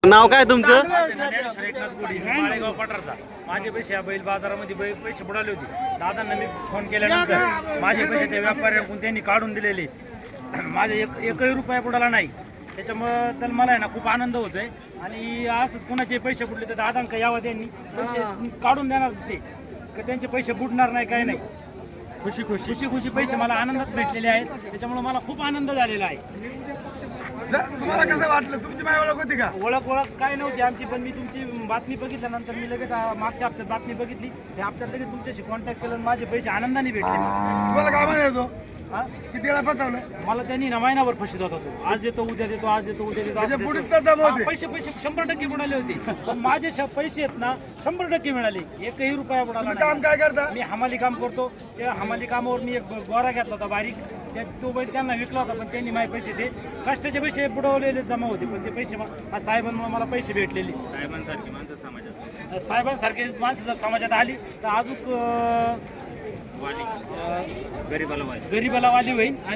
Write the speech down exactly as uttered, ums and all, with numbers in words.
नाव काय तुमचं? ज्ञानेश्वर एकनाथ गोडी, माळेगाव पठारचा. माझे पैसे या बैल बाजारामध्ये बैल पैसे बुडाले होते. दादांना मी फोन केल्यानंतर माझे पैसे त्या व्यापाऱ्यांकडून त्यांनी काढून दिलेले. माझे एक एकही रुपया बुडाला नाही. त्याच्यामुळं तर मला आहे ना खूप आनंद होतोय. आणि असंच कोणाचे पैसे बुडले तर दादांका यावं त्यांनी पैसे काढून देणार ते, का त्यांचे पैसे बुडणार नाही काय नाही. खुशी खुशी खुशी खुशी पैसे मला आनंदात भेटलेले आहेत. त्याच्यामुळे मला खूप आनंद झालेला आहे. तुम्हाला कसं वाटलं? तुमची माय ओळख होती का? ओळख ओळख काय नव्हती आमची, पण मी तुमची बातमी बघितल्यानंतर मी लगेच आ, मागच्या हप्त्यात बातमी बघितली. त्या हप्त्यात लगेच तुमच्याशी कॉन्टॅक्ट केलं आणि माझे पैसे आनंदाने भेटले. तुम्हाला काय म्हणायचो? हा? किती वेळा फसवलं? मला त्यांनी ना महिनाभर फशीत होता तो. आज देतो उद्या देतो आज देतो उद्या देतो असं म्हणजे देतो. बुडीत दम होते. हा, पैसे पैसे शंभर टक्के बुडाले होते. पण माझे श- पैसे आहेत ना शंभर टक्के मिळाले. एकही रुपया बुडाला तुम्ही काम नाही. काय करता? मी हमाली काम करतो. त्या हमाली कामावर मी एक गोरा घेतला होता बारीक. त्या तो बैल त्यांना विकला होता, पण त्यांनी माझे पैसे ते कष्टाचे पैसे बुडवलेले जमा होते. पण ते पैसे मा- आज साहेबांमुळे मला पैसे भेटलेले. साहेबांसारखी माणसं समाजात साहेबांसारखी माणसं जर समाजात आली तर अजून वाली गरीबाला वाली गरीबाला वाली होईल.